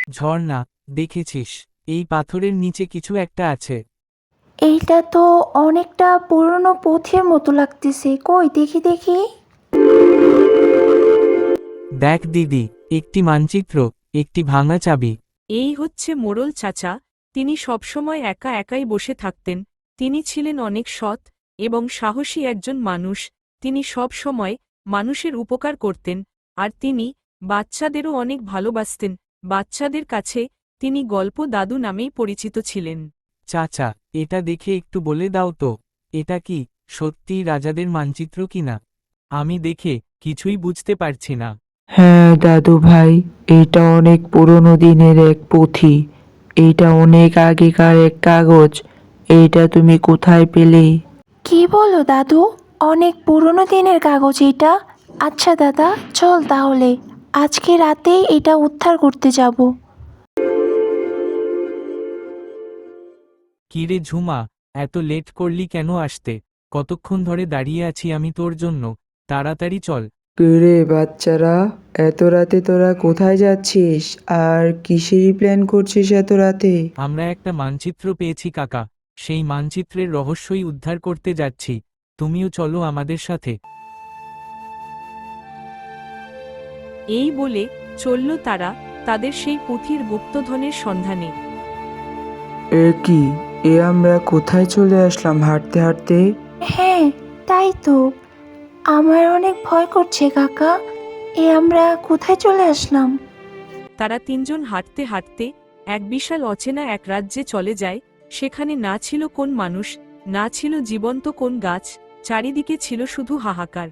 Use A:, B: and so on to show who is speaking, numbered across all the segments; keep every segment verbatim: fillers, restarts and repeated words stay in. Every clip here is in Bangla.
A: ঝর্ণা, দেখেছিস এই পাথরের নিচে কিছু একটা আছে।
B: এইটা তো অনেকটা পুরনো পুঁথির মতো লাগতেছে, কই দেখি দেখি।
A: দেখ দিদি, একটি মানচিত্র, একটি ভাঙা চাবি।
C: এই হচ্ছে মোড়ল চাচা। তিনি সবসময় একা একাই বসে থাকতেন। তিনি ছিলেন অনেক সৎ এবং সাহসী একজন মানুষ। তিনি সব সময় মানুষের উপকার করতেন, আর তিনি বাচ্চাদেরও অনেক ভালোবাসতেন। বাচ্চাদের কাছে তিনি গল্প দাদু নামেই পরিচিত ছিলেন।
A: চাচা, এটা দেখে একটু বলে দাও তো, এটা কি সত্যিই রাজাদের মানচিত্র কিনা? আমি দেখে কিছুই বুঝতে পারছি না।
D: হ্যাঁ দাদু ভাই, এটা অনেক পুরনো দিনের এক পুঁথি। এইটা অনেক আগেকার এক কাগজ। এইটা তুমি কোথায় পেলে?
B: কি বলো দাদু, অনেক পুরনো দিনের কাগজ এটা? আচ্ছা দাদা, চল তাহলে আজকে রাতেই এটা উদ্ধার করতে যাব।
A: কিরে ঝুমা, এত লেট করলি কেন আসতে? কতক্ষণ ধরে দাঁড়িয়ে আছি আমি তোর জন্য, তাড়াতাড়ি চল।
D: রে বাচ্চারা, এত রাতে তোরা কোথায় যাচ্ছিস আর কিসেরই প্ল্যান করছিস এত রাতে?
A: আমরা একটা মানচিত্র পেয়েছি কাকা, সেই মানচিত্রের রহস্যই উদ্ধার করতে যাচ্ছি। তুমিও চলো আমাদের সাথে।
C: এই বলে চলল তারা তাদের সেই পুঁথির গুপ্তধনের সন্ধানে।
D: এ কি, এ আমরা কোথায় চলে আসলাম হাঁটতে হাঁটতে?
B: হ্যাঁ, তাই তো, আমার অনেক ভয় করছে কাকা। এ আমরা কোথায় চলে আসলাম?
C: তারা তিনজন হাঁটতে হাঁটতে এক বিশাল অচেনা এক রাজ্যে চলে যায়। সেখানে না ছিল কোন মানুষ, না ছিল জীবন্ত কোন গাছ, চারিদিকে ছিল শুধু হাহাকার।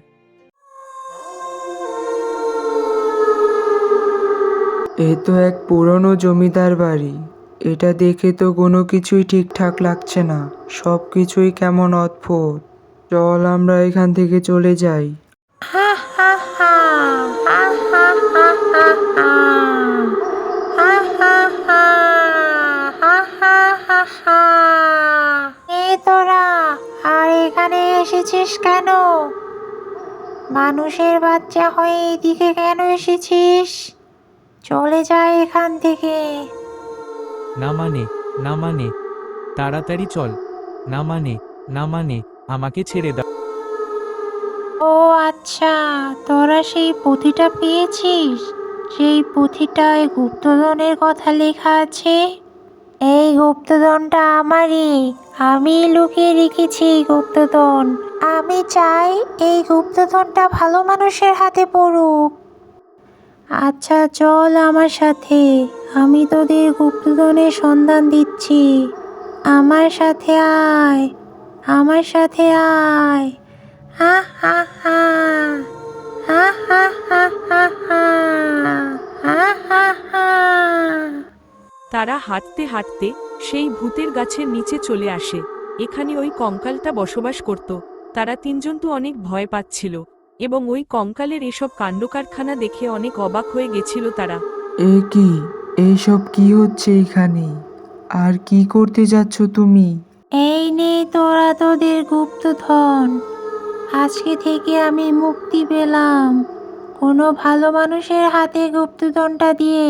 D: এ তো এক পুরনো জমিদার বাড়ি। এটা দেখে তো কোনো কিছুই ঠিকঠাক লাগছে না, সব কিছুই কেমন অদ্ভুত। চল আমরা এখান থেকে চলে যাই।
B: হা হা হা, হা হা হা হা হা, হা হা হা, হা হা হা হা। এ তোরা আর এখানে এসেছিস কেন? মানুষের বাচ্চা হয়ে এদিকে কেন এসেছিস? চলে যা এখান থেকে।
A: না মানে, না মানে, তাড়াতাড়ি চল। না মানে, না মানে, আমাকে ছেড়ে দাও।
B: ও আচ্ছা, তোরা সেই পুঁথিটা পেয়েছিস? সেই পুঁথিটায় গুপ্তধনের কথা লেখা আছে। এই গুপ্তধনটা আমারই, আমি লুকিয়ে রেখেছি এই গুপ্তধন। আমি চাই এই গুপ্তধনটা ভালো মানুষের হাতে পড়ুক। আচ্ছা চল আমার সাথে, আমি তোদের গুপ্তধনের সন্ধান দিচ্ছি। আমার সাথে আয়, আমার সাথে আয়। হা হা হা, হা হা হা হা হা, হা হা হা।
C: তারা হাঁটতে হাঁটতে সেই ভূতের গাছের নিচে চলে আসে। এখানে ওই কঙ্কালটা বসবাস করত। তারা তিনজন তো অনেক ভয় পাচ্ছিল এবং ওই কঙ্কালের এসব কাণ্ডকারখানা দেখে অনেক অবাক হয়ে গেছিল তারা।
D: এ কি, এইসব কি হচ্ছে এখানে? আর কি করতে যাচ্ছ তুমি?
B: এই নে তোরা তোদের গুপ্তধন। আজকে থেকে আমি মুক্তি পেলাম কোনো ভালো মানুষের হাতে গুপ্তধনটা দিয়ে।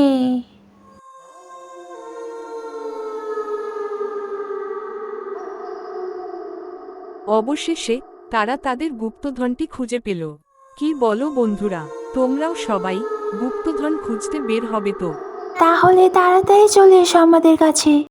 C: অবশেষে তারা তাদের গুপ্তধনটি খুঁজে পেল। কি বলো বন্ধুরা, তোমরাও সবাই গুপ্তধন খুঁজতে বের হবে তো?
B: তাহলে তাড়াতাড়ি চলে এসো আমাদের কাছে।